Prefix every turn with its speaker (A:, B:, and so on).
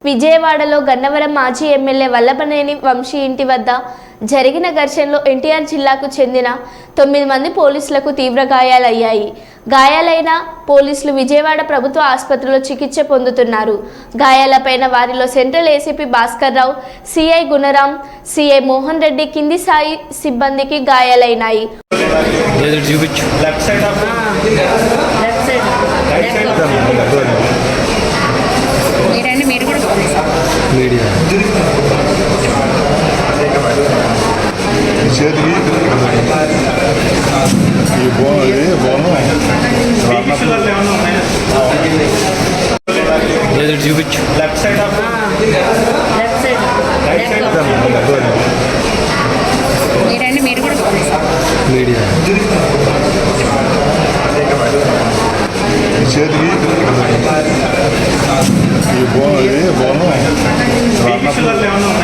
A: విజయవాడలో గన్నవరం మాజీ ఎమ్మెల్యే వల్లభనేని వంశీ ఇంటి వద్ద జరిగిన ఘర్షణలో ఎన్టీఆర్ జిల్లాకు చెందిన 9 మంది పోలీసులకు తీవ్ర గాయాలయ్యాయి. గాయాలైన పోలీసులు విజయవాడ ప్రభుత్వ ఆసుపత్రిలో చికిత్స పొందుతున్నారు. గాయాలపైన వారిలో central ACP Bhaskar Rao, CI Gunaram, CI Mohan Reddy కింది స్థాయి సిబ్బందికి గాయాలైనాయి.
B: చూపించు left side of right side
C: మీరండి మీరు కూడా
B: మీడియా చేతికి ఈ బోనం